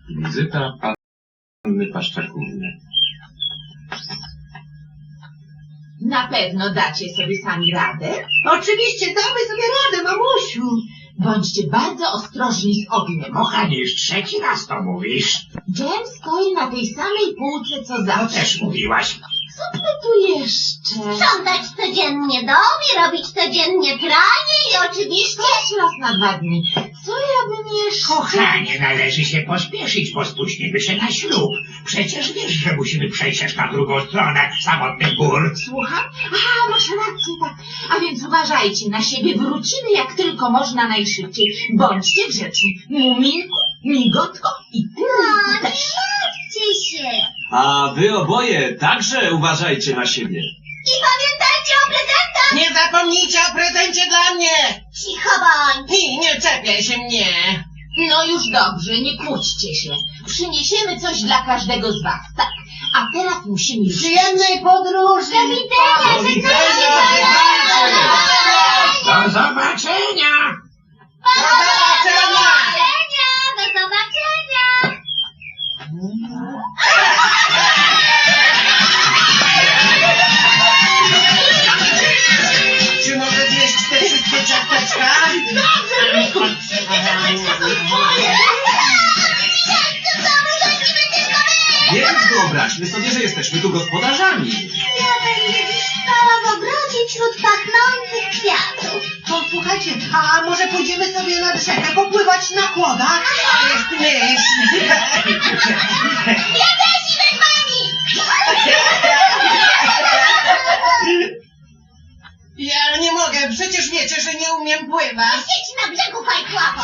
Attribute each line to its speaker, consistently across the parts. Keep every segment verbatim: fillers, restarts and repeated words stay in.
Speaker 1: Wizyta panny Paszczakówny.
Speaker 2: Na pewno dacie sobie sami radę?
Speaker 3: Oczywiście, damy sobie radę, mamusiu.
Speaker 2: Bądźcie bardzo ostrożni z ogniem.
Speaker 4: Kochanie, już trzeci raz to mówisz.
Speaker 2: Dżem stoi na tej samej półce, co
Speaker 4: To
Speaker 2: zawsze.
Speaker 4: też mówiłaś.
Speaker 2: Co my tu jeszcze?
Speaker 5: Sprzątać codziennie dom i robić codziennie pranie i oczywiście...
Speaker 2: Też raz na dwa dni. Co ja bym jeszcze...
Speaker 4: Kochanie, należy się pospieszyć, bo spóźnimy się na ślub. Przecież wiesz, że musimy przejść aż na drugą stronę samotnych gór.
Speaker 2: Słucham? A, masz rację, tak. A więc uważajcie na siebie. Wrócimy jak tylko można najszybciej. Bądźcie grzeczni. Muminku, migotko i ty
Speaker 5: No, nie
Speaker 2: też.
Speaker 5: martwcie się.
Speaker 6: A wy oboje także uważajcie na siebie.
Speaker 5: I pamiętajcie o prezentach.
Speaker 3: Nie zapomnijcie o prezencie dla mnie.
Speaker 5: Cicho bądź.
Speaker 3: I nie czepiaj się mnie.
Speaker 2: No już dobrze, nie kłóćcie się. Przyniesiemy coś dla każdego z was, tak. A teraz musimy już...
Speaker 3: Przyjemnej podróży.
Speaker 5: Do widzenia.
Speaker 6: Do widzenia,
Speaker 4: Do zobaczenia!
Speaker 5: Do zobaczenia. Do zobaczenia.
Speaker 3: Czy mogę zjeść te wszystkie ciasteczka?
Speaker 6: Więc wyobraźmy sobie, że jesteśmy tu gospodarzami.
Speaker 5: Ja będę dziś spała w ogrodzie wśród pachnących kwiatów.
Speaker 3: To słuchajcie, a może pójdziemy sobie na rzekę popływać na kłodach? To jest myśl.
Speaker 5: Ja też idę z wami.
Speaker 3: Ja nie mogę, przecież wiecie, że nie umiem pływać.
Speaker 5: Siedź na brzegu, fajkłapo.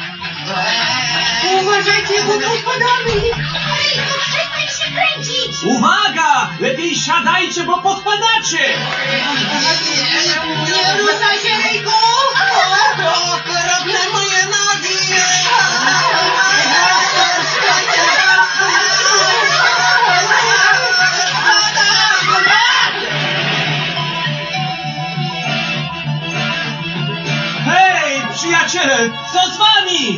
Speaker 3: Uważajcie, bo tu spadamy.
Speaker 5: Ryjku, przestań się kręcić.
Speaker 6: Uwaga! Lepiej siadajcie, bo podpadacie!
Speaker 3: Nie ruszaj się, Ryjku! O, okropne moje nogi!
Speaker 6: Hej, przyjaciele, co z wami?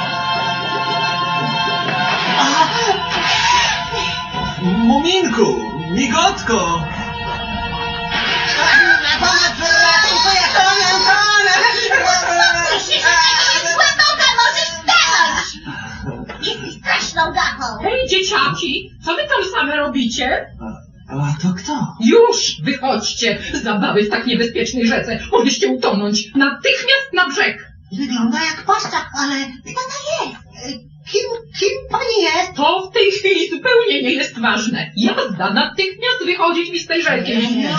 Speaker 6: Muminku, migotko!
Speaker 3: Na pomoc, ratunku, ja tonę, tonę!
Speaker 5: Myślisz, że to jest głęboka, możesz stanąć. Jesteś straszną gachą.
Speaker 7: Hej, dzieciaki, co wy tam same robicie?
Speaker 6: A to kto?
Speaker 7: Już wychodźcie! Zabawy w tak niebezpiecznej rzece. Mogliście utonąć. Natychmiast na brzeg!
Speaker 3: Wygląda jak paszczak, ale kto to jest? Kim, kim pani jest?
Speaker 7: To w tej chwili zupełnie nie jest ważne. Jazda, natychmiast wychodzić mi z tej rzeki.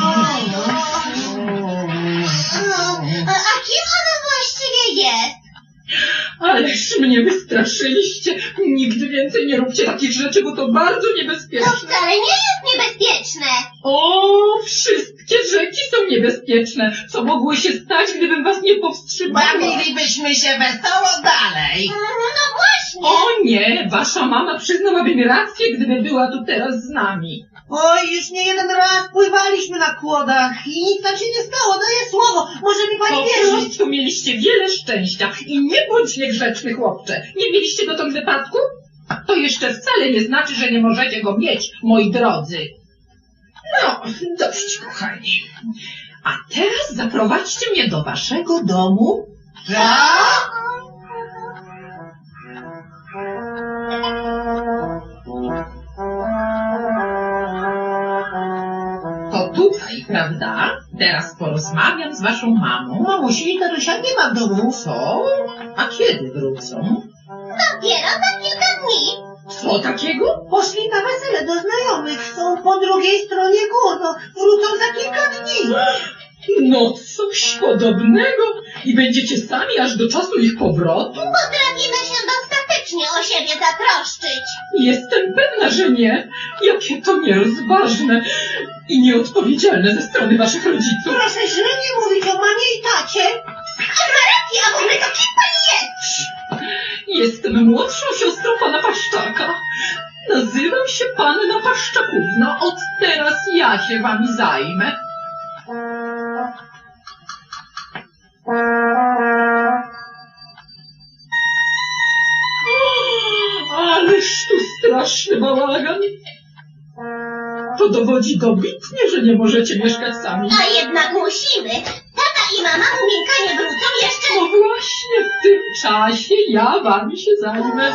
Speaker 5: A, a kim ona właściwie jest?
Speaker 7: Ależ mnie wystraszyliście. Nigdy więcej nie róbcie takich rzeczy, bo to bardzo
Speaker 5: To
Speaker 7: niebezpieczne.
Speaker 5: wcale nie jest niebezpieczne.
Speaker 7: O, wszystkie rzeki są niebezpieczne. Co mogło się stać, gdybym was nie powstrzymała?
Speaker 3: Bawilibyśmy się wesoło dalej.
Speaker 5: No właśnie.
Speaker 7: O nie, wasza mama przyznałaby mi rację, gdyby była tu teraz z nami.
Speaker 3: Oj, już nie jeden raz pływaliśmy na kłodach i nic nam się nie stało, daję słowo. Może mi
Speaker 7: Po
Speaker 3: pani wierzyć?
Speaker 7: prostu mieliście wiele szczęścia i nie bądź niegrzeczny, chłopcze. Nie mieliście dotąd wypadku? To jeszcze wcale nie znaczy, że nie możecie go mieć, moi drodzy. No, dość, kochani. A teraz zaprowadźcie mnie do waszego domu.
Speaker 3: Tak?
Speaker 7: To tutaj, prawda? Teraz porozmawiam z waszą mamą.
Speaker 3: Mamusi i Darusia nie ma w domu.
Speaker 7: Co? A kiedy wrócą?
Speaker 5: Dopiero za kilka dni.
Speaker 7: Co takiego?
Speaker 3: Poszli na wesele do znajomych, są po drugiej stronie gór, no wrócą za kilka dni.
Speaker 7: No coś podobnego. I będziecie sami aż do czasu ich powrotu?
Speaker 5: Potrafimy się dostatecznie o siebie zatroszczyć.
Speaker 7: Jestem pewna, że nie. Jakie to nierozważne i nieodpowiedzialne ze strony waszych rodziców.
Speaker 3: Proszę źle nie mówić o mamie i tacie.
Speaker 5: A ma rację, a w ogóle to kim pani jest?
Speaker 7: Jestem młodszą siostrą pana Paszczaka. Nazywam się panna Paszczakówna. Od teraz ja się wami zajmę. Ależ tu straszny bałagan. To dowodzi dobitnie, że nie możecie mieszkać sami.
Speaker 5: A jednak musimy. Tata i mama Muminka nie wrócą jeszcze.
Speaker 7: No właśnie w tym czasie ja wami się zajmę.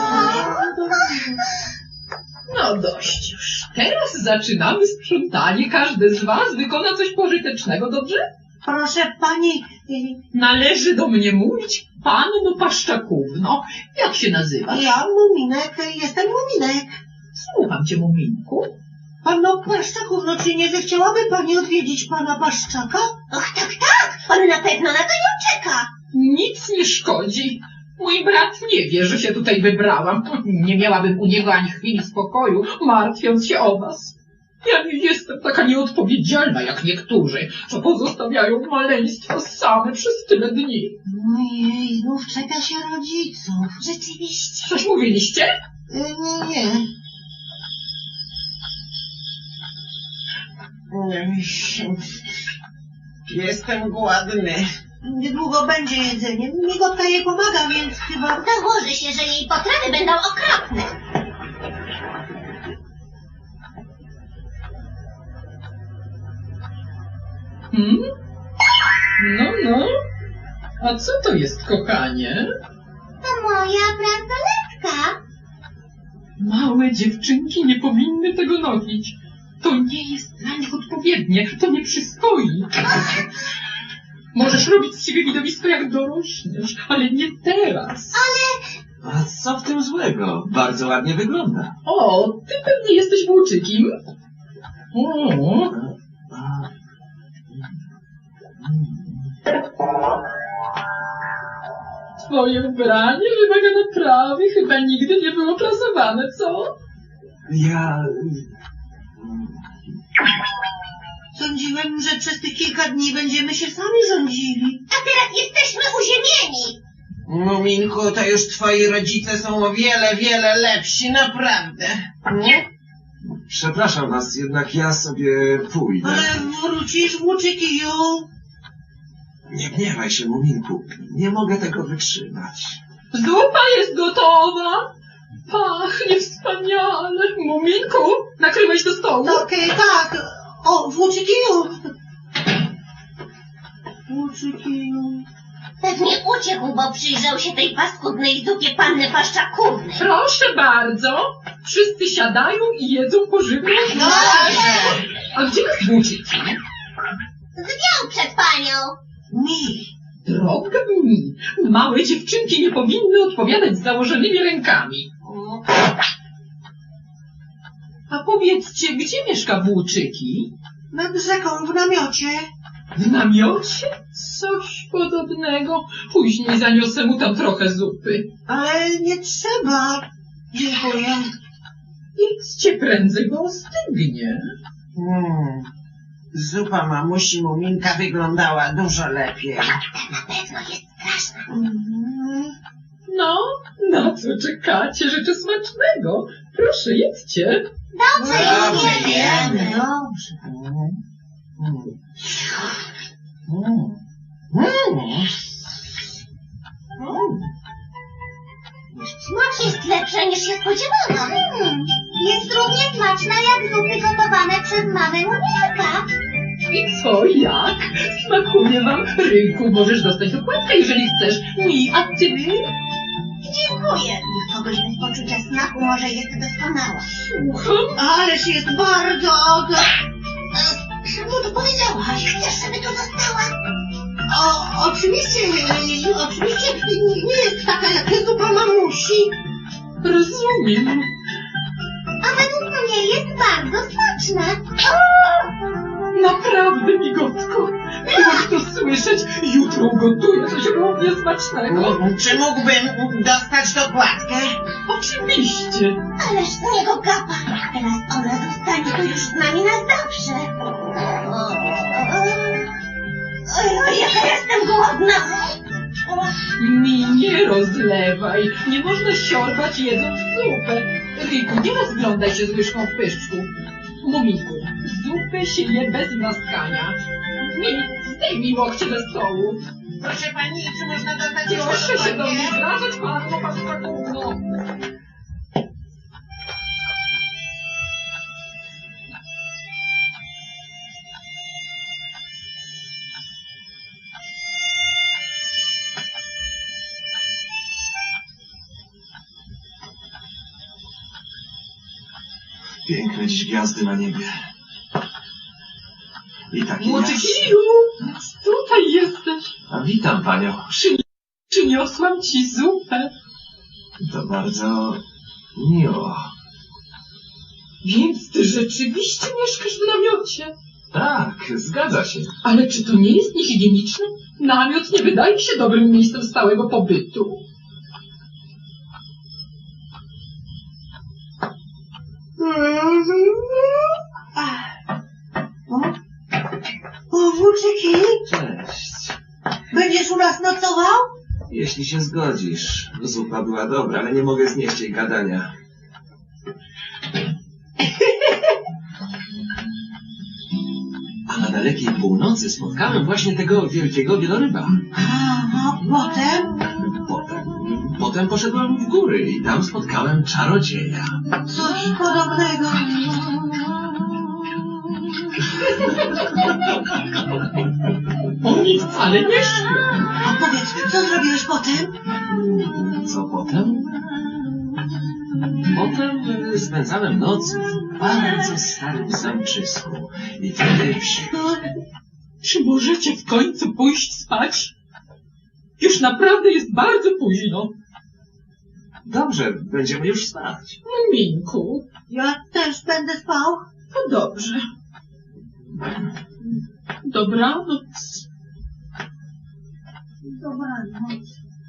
Speaker 7: No dość już. Teraz zaczynamy sprzątanie. Każdy z was wykona coś pożytecznego, dobrze?
Speaker 3: Proszę pani, y,
Speaker 7: Należy do mnie mówić panno Paszczakówno. Jak się nazywasz?
Speaker 3: ja Muminek, jestem Muminek.
Speaker 7: Słucham cię, Muminku.
Speaker 3: Panno Paszczakówno, czy nie zechciałaby pani odwiedzić pana Paszczaka?
Speaker 5: Och, tak, tak. On na pewno na to nie czeka.
Speaker 7: Nic nie szkodzi. Mój brat nie wie, że się tutaj wybrałam. Nie miałabym u niego ani chwili spokoju, martwiąc się o was. Ja nie jestem taka nieodpowiedzialna jak niektórzy, co pozostawiają maleństwo same przez tyle dni.
Speaker 3: Ojej, znów czeka się rodziców.
Speaker 5: Rzeczywiście.
Speaker 7: Coś mówiliście?
Speaker 3: Y, nie, nie.
Speaker 8: Jestem głodny.
Speaker 3: Niedługo będzie jedzenie. Migotka jej pomaga, więc chyba...
Speaker 5: Założy się, że jej potrawy będą okropne.
Speaker 7: Hmm? No, no. A co to jest, kochanie?
Speaker 5: To moja bransoletka.
Speaker 7: Małe dziewczynki nie powinny tego nosić. To nie jest dla nich odpowiednie, to nie przystoi. Możesz robić z siebie widowisko jak dorośniesz, ale nie teraz.
Speaker 6: A co w tym złego? Bardzo ładnie wygląda.
Speaker 7: O, ty pewnie jesteś włóczykiem. O,
Speaker 6: A,
Speaker 7: twoje ubranie wymaga naprawy, chyba nigdy nie było prasowane, co?
Speaker 6: ja...
Speaker 3: Sądziłem, że przez tych kilka dni będziemy się sami rządzili.
Speaker 5: A teraz jesteśmy uziemieni.
Speaker 8: Muminku, to już twoi rodzice są o wiele, wiele lepsi, naprawdę. Nie?
Speaker 6: Przepraszam was, jednak ja sobie pójdę.
Speaker 3: Ale wrócisz, włóczykiju.
Speaker 6: Nie gniewaj się, Muminku. Nie mogę tego wytrzymać.
Speaker 7: Zupa jest gotowa. Pachnie wspaniale. Muminku, nakrywaj do stołu.
Speaker 3: Okej, tak. O, włóczykiju. Włóczykiju.
Speaker 5: Pewnie uciekł, bo przyjrzał się tej paskudnej zupie panny Paszczakówny.
Speaker 7: Proszę bardzo. Wszyscy siadają i jedzą pożywną zupę. A gdzie jest włóczyki?
Speaker 5: Zwiał przed panią.
Speaker 3: Mi.
Speaker 7: Droga mi, małe dziewczynki nie powinny odpowiadać z założonymi rękami. A powiedzcie, gdzie mieszka włóczyki?
Speaker 3: Nad rzeką w namiocie.
Speaker 7: W namiocie? Coś podobnego. Później zaniosę mu tam trochę zupy.
Speaker 3: Ale nie trzeba. Dziękuję.
Speaker 7: Idźcie prędzej, bo ostygnie.
Speaker 8: Mm. Zupa mamusi Muminka wyglądała dużo lepiej.
Speaker 5: Na pewno jest straszna.
Speaker 3: Mhm.
Speaker 7: No, na co czekacie? Życzę smacznego. Proszę, jedźcie.
Speaker 5: Dobrze,
Speaker 8: Dobrze,
Speaker 5: już
Speaker 8: jemy.
Speaker 5: jemy.
Speaker 3: Dobrze.
Speaker 8: Mm. Mm. Mm. Mm.
Speaker 5: Smak jest lepszy niż się spodziewałam. Mm, jest równie smaczna jak zupy gotowane przez mamę Muminka.
Speaker 7: I co, jak? Smakuje wam? Ryjku, możesz dostać dokładkę, jeżeli chcesz. Mi, a ty?
Speaker 5: Dziękuję. Dla kogoś bez poczucia smaku może jest doskonała.
Speaker 7: Słucham.
Speaker 3: Ależ jest bardzo...
Speaker 5: Czemu to powiedziałaś? Chcesz, żeby tu została?
Speaker 3: O, oczywiście, e, oczywiście nie, nie jest taka jak zupa mamusi.
Speaker 7: Rozumiem.
Speaker 5: A według mnie jest bardzo smaczna.
Speaker 7: Naprawdę, migotko. Miło to słyszeć. Jutro ugotuję coś równie smacznego.
Speaker 8: Mm. Czy mógłbym dostać dokładkę?
Speaker 7: Oczywiście.
Speaker 5: Ależ z niego gapa. Teraz ona zostanie tu już z nami na zawsze. Oj, oj, jaka jestem głodna.
Speaker 7: Mi nie rozlewaj. Nie można siorbać jedząc zupę. Ryjku, nie rozglądaj się z łyżką w pyszczku. Muminku, zupę się je bez naskania. Mi, zdejmij łokcie ze stołu.
Speaker 8: Proszę pani, czy można dostać
Speaker 7: Proszę
Speaker 8: jeszcze
Speaker 7: się do mnie
Speaker 8: dokładkę?
Speaker 7: zwracać, panno Paszczakówno.
Speaker 6: Piękne dziś gwiazdy na niebie. I takie
Speaker 7: Młody
Speaker 6: jasne.
Speaker 7: Kiju, tutaj jesteś.
Speaker 6: A witam panią.
Speaker 7: Przyni przyniosłam ci zupę.
Speaker 6: To bardzo miło.
Speaker 7: Więc ty rzeczywiście mieszkasz w namiocie.
Speaker 6: Tak, zgadza się.
Speaker 7: Ale czy to nie jest niehigieniczne? Namiot nie wydaje mi się dobrym miejscem stałego pobytu.
Speaker 3: O, włóczyki,
Speaker 6: Cześć.
Speaker 3: będziesz u nas nocował?
Speaker 6: Jeśli się zgodzisz. Zupa była dobra, ale nie mogę znieść jej gadania. A na dalekiej północy spotkałem właśnie tego wielkiego wieloryba.
Speaker 3: A, a potem?
Speaker 6: Potem, potem poszedłem w góry i tam spotkałem czarodzieja.
Speaker 3: Coś podobnego.
Speaker 7: Oni wcale nie śpią.
Speaker 3: A powiedz, co zrobiłeś potem?
Speaker 6: Co potem? Potem e, spędzałem noc w bardzo starym zamczysku. I wtedy...
Speaker 7: Czy możecie w końcu pójść spać? Już naprawdę jest bardzo późno.
Speaker 6: Dobrze, będziemy już spać.
Speaker 7: Muminku,
Speaker 3: Ja też będę spał.
Speaker 7: to dobrze. Dobranoc.
Speaker 3: Dobranoc.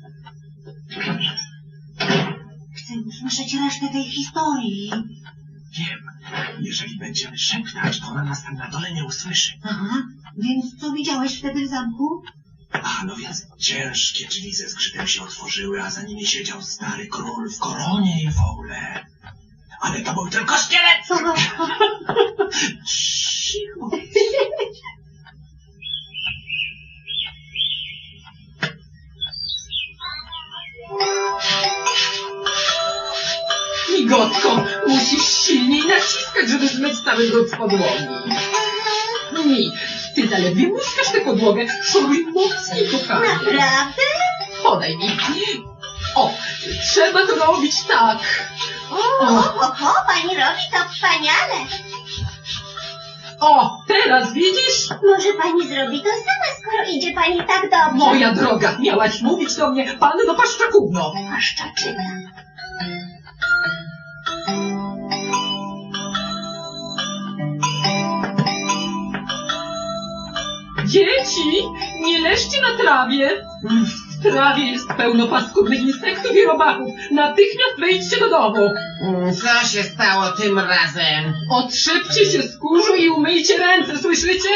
Speaker 3: Chcę usłyszeć resztę tej historii.
Speaker 6: Wiem, jeżeli będziemy szeptać, to ona nas tam na dole nie usłyszy.
Speaker 3: Aha, więc co widziałeś wtedy w zamku?
Speaker 6: A, no więc ciężkie drzwi ze zgrzytem się otworzyły, a za nimi siedział stary król w koronie i w ogóle. Ale to był tylko szkielet! Cicho.
Speaker 7: Migotko, musisz silniej naciskać, żeby zmyć cały brud z podłogi. Mi, ty zaledwie muskasz tę podłogę. Szoruj mocniej, kochanie.
Speaker 5: Naprawdę?
Speaker 7: Podaj mi. O, trzeba to robić tak.
Speaker 5: O,
Speaker 7: O.
Speaker 5: ho, ho, pani robi to wspaniale.
Speaker 7: O, teraz widzisz?
Speaker 5: Może pani zrobi to sama, skoro idzie pani tak dobrze.
Speaker 7: Moja droga, miałaś mówić do mnie, panno Paszczakówno.
Speaker 5: Paszczaczyna.
Speaker 7: Dzieci, nie leżcie na trawie. W trawie jest pełno paskudnych insektów i robaków. Natychmiast wejdźcie do domu.
Speaker 8: Mm, Co się stało tym razem?
Speaker 7: Otrzepcie się z kurzu i umyjcie ręce, słyszycie?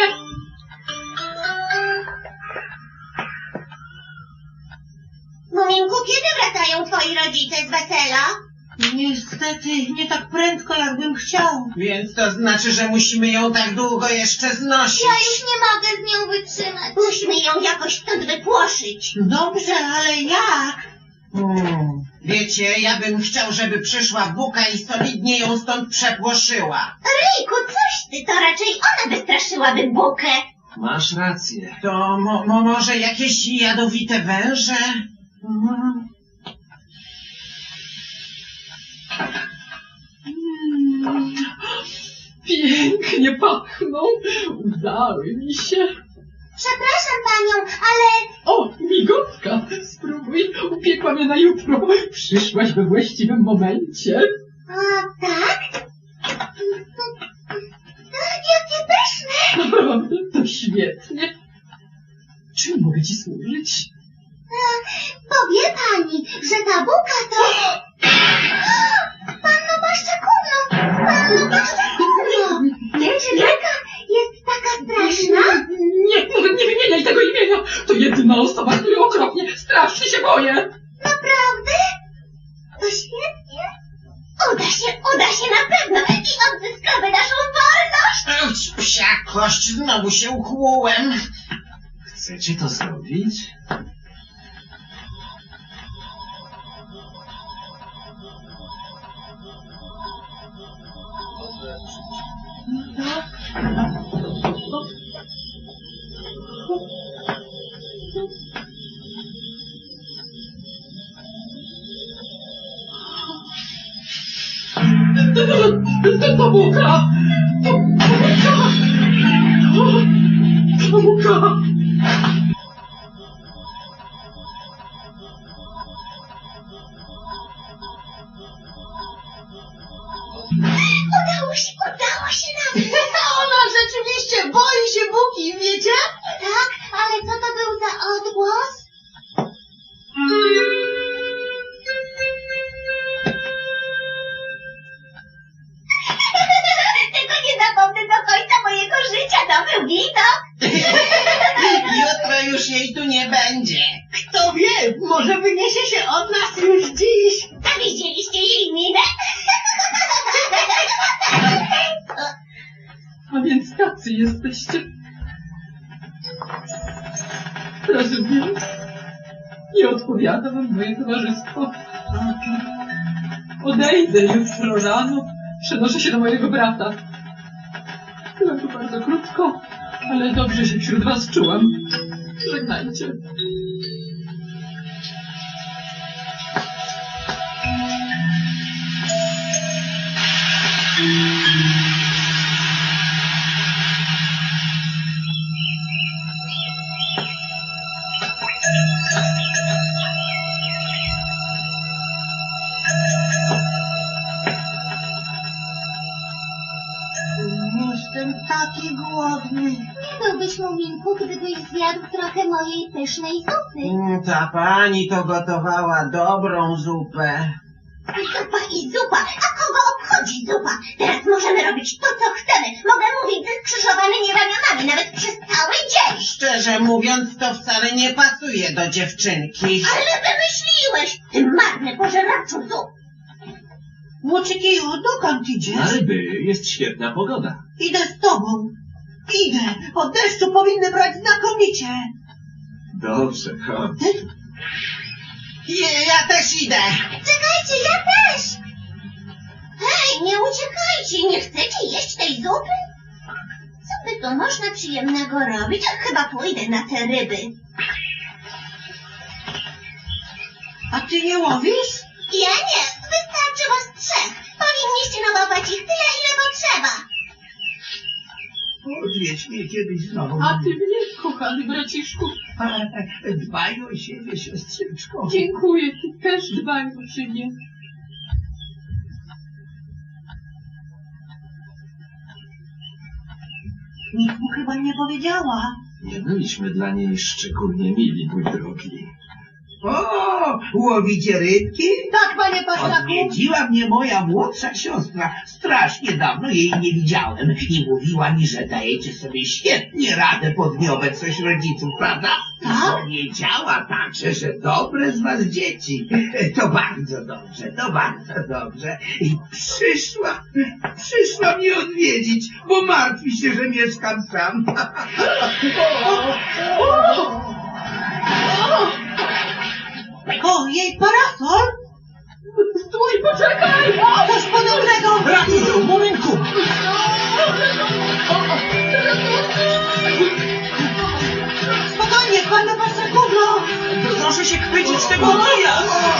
Speaker 5: Muminku, kiedy wracają twoi rodzice z wesela?
Speaker 3: Niestety, nie tak prędko, jakbym chciał.
Speaker 8: Więc to znaczy, że musimy ją tak długo jeszcze znosić.
Speaker 5: Ja już nie mogę z nią wytrzymać. Musimy ją jakoś stąd wypłoszyć.
Speaker 3: Dobrze, ale jak?
Speaker 8: Hmm. Wiecie, ja bym chciał, żeby przyszła Buka i solidnie ją stąd przepłoszyła.
Speaker 5: Ryjku, coś ty, to raczej ona wystraszyłaby Bukę.
Speaker 6: Masz rację.
Speaker 8: To mo mo może jakieś jadowite węże?
Speaker 3: Mhm.
Speaker 7: Mm, pięknie pachną. Udały mi się.
Speaker 5: Przepraszam panią, ale
Speaker 7: O, migotka, spróbuj. Upiekła mnie na jutro. Przyszłaś we właściwym momencie.
Speaker 5: A, tak? Jakie pyszne!
Speaker 7: Naprawdę, to świetnie. Czym mogę ci służyć?
Speaker 5: Powie pani, że ta buka to... Panno Paszczakówno! Panno Paszczakówno! Czy taka jest taka straszna?
Speaker 7: Nie, nawet nie wymieniaj tego imienia. To jedyna osoba, której okropnie, strasznie się boję.
Speaker 5: Naprawdę? To świetnie. Uda się, uda się na pewno i odzyskamy naszą wolność.
Speaker 8: Uć, psia kość, znowu się ukłułem.
Speaker 6: Chcecie to zrobić?
Speaker 7: To buka! To buka! To buka!
Speaker 5: Udało się, udało się nam.
Speaker 3: Ona rzeczywiście boi się Buki, wiecie?
Speaker 5: Tak, ale co to był za odgłos? Tego nie zapomnę do końca mojego życia, to był widok.
Speaker 8: Jutro już jej tu nie będzie.
Speaker 3: Kto wie, może wyniesie się od nas już dziś.
Speaker 5: A widzieliście jej minę?
Speaker 7: A więc tacy jesteście. Rozumiem. Nie odpowiada wam moje towarzystwo. Odejdę jutro rano. Przenoszę się do mojego brata. Byłem tu bardzo krótko, ale dobrze się wśród was czułam. Żegnajcie.
Speaker 3: Jestem taki głodny.
Speaker 5: Nie byłbyś, Muminku, gdybyś zjadł trochę mojej pysznej zupy.
Speaker 8: Mm, Ta pani to gotowała dobrą zupę.
Speaker 5: Zupa i zupa, a kogo obchodzi zupa? Teraz możemy robić to, co chcemy. Mogę mówić ze skrzyżowanymi ramionami, nawet przez cały dzień.
Speaker 8: Szczerze mówiąc, to wcale nie pasuje do dziewczynki.
Speaker 5: Ale wymyśliłeś, ty marny pożeraczu zup.
Speaker 3: Łoczykiju, dokąd idziesz?
Speaker 6: Alby, jest świetna pogoda.
Speaker 3: Idę z tobą. Idę. Po deszczu powinny brać znakomicie.
Speaker 6: Dobrze, chodź.
Speaker 8: Je, ja też idę.
Speaker 5: Czekajcie, ja też. Hej, nie uciekajcie, nie chcecie jeść tej zupy? Co by tu można przyjemnego robić? Ach, chyba pójdę na te ryby.
Speaker 3: A ty nie łowisz?
Speaker 5: Ja nie, wystarczy was trzech. Powinniście nałować ich tyle, ile potrzeba.
Speaker 4: Odwiedź mnie kiedyś znowu.
Speaker 7: A ty mnie, kochany braciszku.
Speaker 4: Dbaj o siebie, siostrzyczko.
Speaker 7: Dziękuję, ty też dbaj o siebie.
Speaker 3: Nikt mu chyba nie powiedziała.
Speaker 6: Nie byliśmy dla niej szczególnie mili, mój drogi.
Speaker 4: O, łowicie rybki?
Speaker 3: Tak, panie Paszlaku.
Speaker 4: Odwiedziła mnie moja młodsza siostra. Strasznie dawno jej nie widziałem i mówiła mi, że dajecie sobie świetnie radę pod nieobecność rodziców, prawda?
Speaker 3: Tak?
Speaker 4: Powiedziała także, że dobre z was dzieci. To bardzo dobrze, to bardzo dobrze. I przyszła, przyszła mnie odwiedzić, bo martwi się, że mieszkam sam.
Speaker 3: O, jej parasol?
Speaker 7: Stój, poczekaj!
Speaker 3: Coś podobnego.
Speaker 6: Ratuj ją, Muminku!
Speaker 3: Spokojnie, panie Paszlakówno.
Speaker 6: Proszę się chwycić tego kija!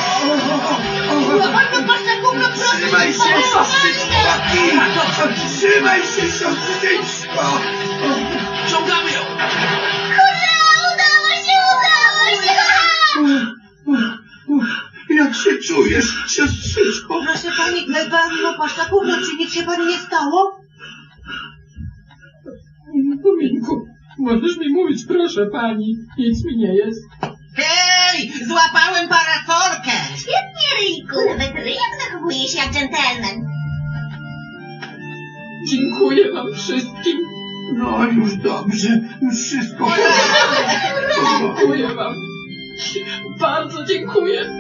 Speaker 3: Panie Paszlakówno, proszę.
Speaker 6: Trzymaj się, siostrzyczko! Trzymaj się, siostrzyczko! Ciągamy ją!
Speaker 5: Hurra, udało się, udało się!
Speaker 6: Jak się czujesz, siostrzyczko?
Speaker 3: Proszę pani, panno Paszlakówno, czy nic się pani nie stało?
Speaker 7: Muminku, możesz mi mówić, proszę pani. Nic mi nie jest.
Speaker 8: Hej, złapałem parasolkę.
Speaker 5: Świetnie, Ryjku, nawet ryjak zachowuje się jak dżentelmen.
Speaker 7: Dziękuję wam wszystkim.
Speaker 4: No już dobrze, już wszystko.
Speaker 7: Dziękuję wam. Bardzo dziękuję.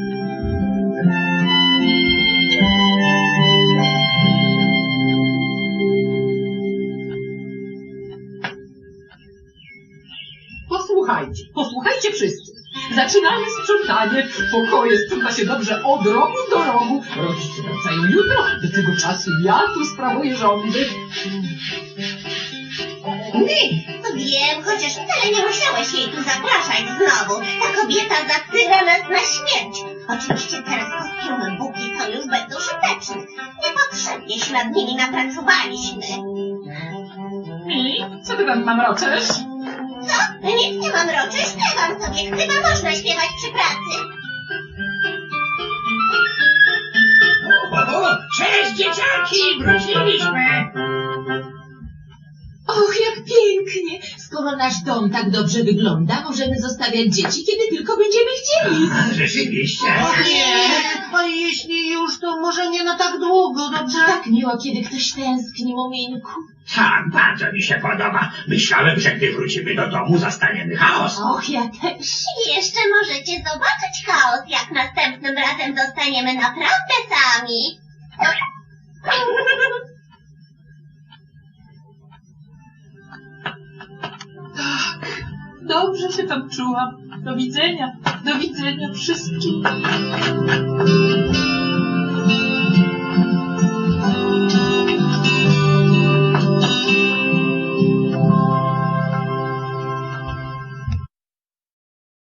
Speaker 7: Posłuchajcie, posłuchajcie wszyscy. Zaczynamy sprzątanie. Pokoje sprząta się dobrze od rogu do rogu. Rodzice wracają jutro. Do tego czasu ja tu sprawuję rządy.
Speaker 5: Wiem, chociaż wcale nie musiałeś jej tu zapraszać znowu. Ta kobieta zatyra nas na śmierć. Oczywiście teraz kostiumy Buki to już bez użyteczne. Nie potrzeba jeśli nad nimi napracowaliśmy.
Speaker 7: Mi? Co ty tam mamroczesz?
Speaker 5: Co? Nic nie mam roczy, śpiewam sobie. Chyba można śpiewać przy pracy.
Speaker 4: O, o, cześć dzieciaki, wróciliśmy.
Speaker 2: Och, jak pięknie! Skoro nasz dom tak dobrze wygląda, możemy zostawiać dzieci, kiedy tylko będziemy chcieli.
Speaker 4: A, rzeczywiście.
Speaker 3: O nie, a jeśli już, to może nie na tak długo, dobrze?
Speaker 2: Tak miło, kiedy ktoś tęskni, Muminku.
Speaker 4: Tak, bardzo mi się podoba. Myślałem, że gdy wrócimy do domu, zastaniemy chaos.
Speaker 2: Och, ja też.
Speaker 5: I jeszcze możecie zobaczyć chaos, jak następnym razem zostaniemy naprawdę sami.
Speaker 7: Dobrze się tam czułam. Do widzenia. Do widzenia wszystkim.